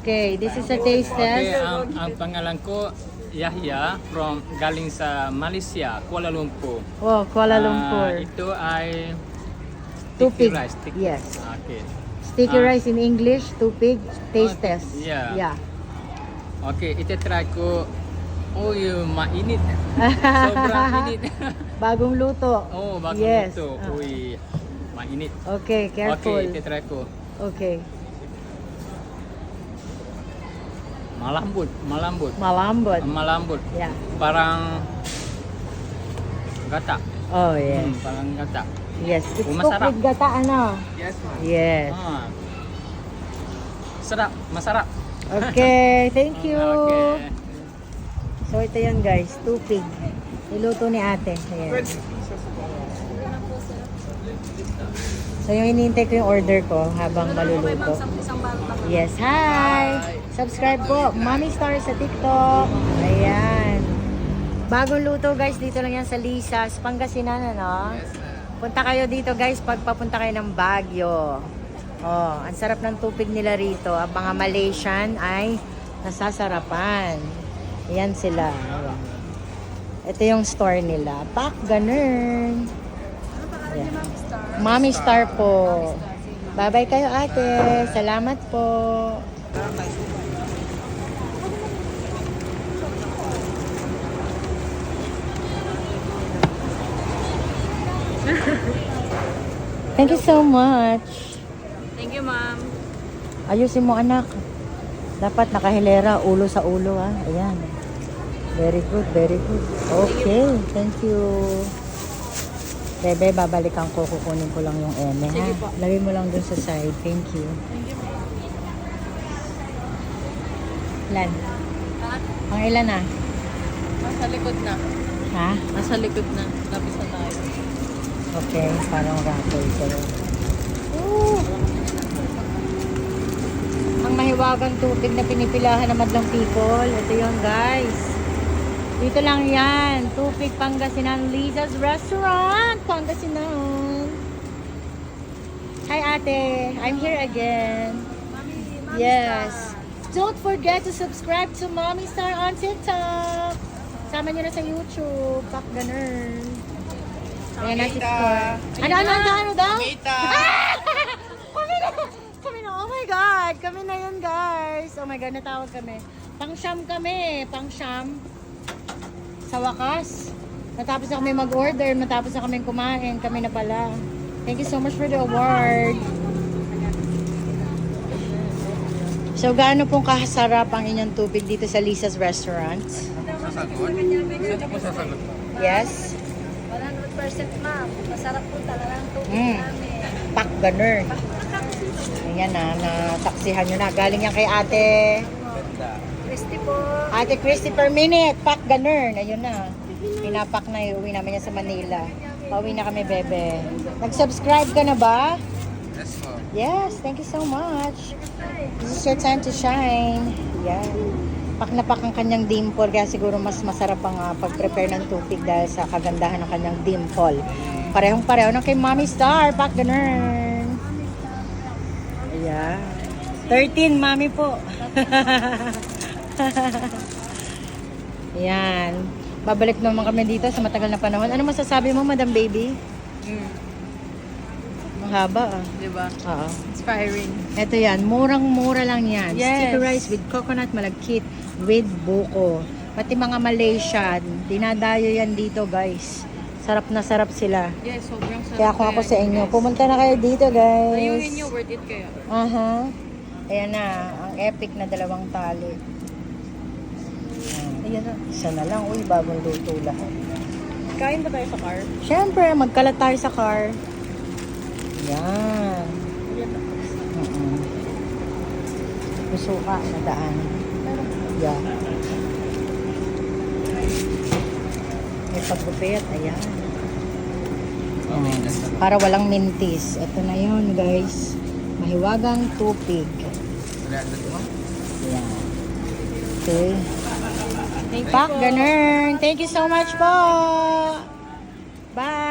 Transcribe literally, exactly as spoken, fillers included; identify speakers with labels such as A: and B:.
A: Okay, this is a taste
B: Okay,
A: test.
B: ang, ang pangalan ko Yahya from galing sa Malaysia, Kuala Lumpur.
A: Oh, Kuala
B: Ah,
A: Lumpur.
B: itu ay
A: Tupig.
B: sticky rice. Sticky.
A: Yes.
B: Okay.
A: Sticky
B: Ah.
A: rice in English, tupig, taste
B: Oh,
A: test.
B: yeah.
A: Yeah.
B: Okay, itu try ko. Oh, you mainit. Sobrang init.
A: Bagong luto.
B: Oh, bagus
A: Yes.
B: itu.
A: Ah.
B: Ui, mainit.
A: Okay, careful.
B: Okay, itu try ko.
A: Okay.
B: Malambut, malambut.
A: Malambot.
B: Malambut.
A: Yeah.
B: Parang gata.
A: Oh, yes.
B: Hmm, parang gata.
A: Yes. It's
B: Oh,
A: cooked
B: masarap.
A: with gata, ano?
B: Yes, ma'am.
A: Yes.
B: Ah. Sarap, masarap.
A: Okay, thank you.
B: Okay.
A: So, ito yan guys, tupig. Niluto ni ate. Ayan. So, yung hinihintay ko yung order ko habang maluluto. Yes, hi! Subscribe po, Mommy Star sa TikTok. Ayan. Bagong luto guys, dito lang yan sa Lisa's, Pangasinan, ano? Punta kayo dito guys pag papunta kayo ng Baguio. Oh, ang sarap ng tupig nila rito. Ang mga Malaysian ay nasasarapan. Ayan sila. Ayan. Ito yung store nila. Pak, ganun. Ayan. Mommy Star po. Bye-bye kayo ate. Salamat po. Thank you so much.
C: Thank you, ma'am.
A: Ayusin mo anak. Dapat nakahilera, ulo sa ulo ah. Ayan. Very good, very good. Okay, thank you. Bebe, babalikan ko. Kukunin ko lang yung eme ha.
C: Sige po.
A: Lagay mo lang dun sa side. Thank you.
C: Thank you, ma'am.
A: Ilan?
C: At
A: Ang ilan na?
C: nasa likod na.
A: Ha?
C: Nasa likod na. Lapis na tayo.
A: Okay, parang raffle ko. Ooh. Ang mahiwagang tubig na pinipilahan ng madlang people. Ito yun guys. Dito lang yan. Tupig Pangasinan, Lisa's Restaurant, Pangasinan. Hi ate, I'm here again. Yes. Don't forget to subscribe to Mommy Star on TikTok. Sama nyo na sa YouTube. Pak ganun. Ayan na si Star. Ano, ano, ano, ano daw? Ah! Kami na! Kami na, oh my God! Kami na yun, guys. Oh my God, natawag kami. Pang-sham kami, pang-sham. Sa wakas. Natapos na kami mag-order, natapos na kami kumain. Kami na pala. Thank you so much for the award. So, gaano pong kasarap ang inyong tubig dito sa Lisa's Restaurant?
B: Sasagot? Saan po sasagot?
A: Yes?
C: one hundred percent, ma'am. Masarap po talaga ang tubig
A: Mm.
C: namin.
A: Pak ganun. Ayan na, nataksihan nyo na. Galing yan kay ate.
C: Christy po.
A: Ate Christy per minute. Pak ganun. Ayun na. Pinapak na. Iuwi namin yan sa Manila. Pauwi na kami, bebe. Nag-subscribe ka na ba?
B: Yes, po.
A: Yes, thank you so much. This is your time to shine. Yan. Pak na pak ang kanyang dimple. Kaya siguro mas masarap ang uh, pag-prepare ng tubig dahil sa kagandahan ng kanyang dimple. Parehong pareho ng kay Mommy Star. Pak ganun. Ayan. thirteen, Mami po. Ayan. Babalik naman kami dito sa matagal na panahon. Ano masasabi mo, Madam Baby?
C: Mm.
A: Ang haba ah.
C: Diba?
A: Oo.
C: Inspiring.
A: Ito yan, murang-mura lang yan.
C: Yes.
A: Sticky rice with coconut malagkit with buko. Pati mga Malaysian, dinadayo yan dito guys. Sarap na sarap sila.
C: Yes, sobrang sarap.
A: Kaya kung ako
C: kaya
A: sa
C: yun,
A: inyo,
C: guys.
A: pumunta na kayo dito guys.
C: Ayungin nyo, worth it kayo.
A: Aha. Ayan na, ang epic na dalawang tali.
C: Ayan na.
A: Isa na lang, uy, bagong luto lahat.
C: Kain ba tayo sa car?
A: Siyempre, magkalat tayo sa car. Yan.
C: Ayan na.
A: Mm-mm. Susuka na daan. Yeah. May paggupit, ayan. Oh, para walang mintis. Ito na yun, guys. Mahiwagang tupig. Ayan. Okay.
C: Thank you
A: Pak,
C: po.
A: ganun. Thank you so much po. Bye.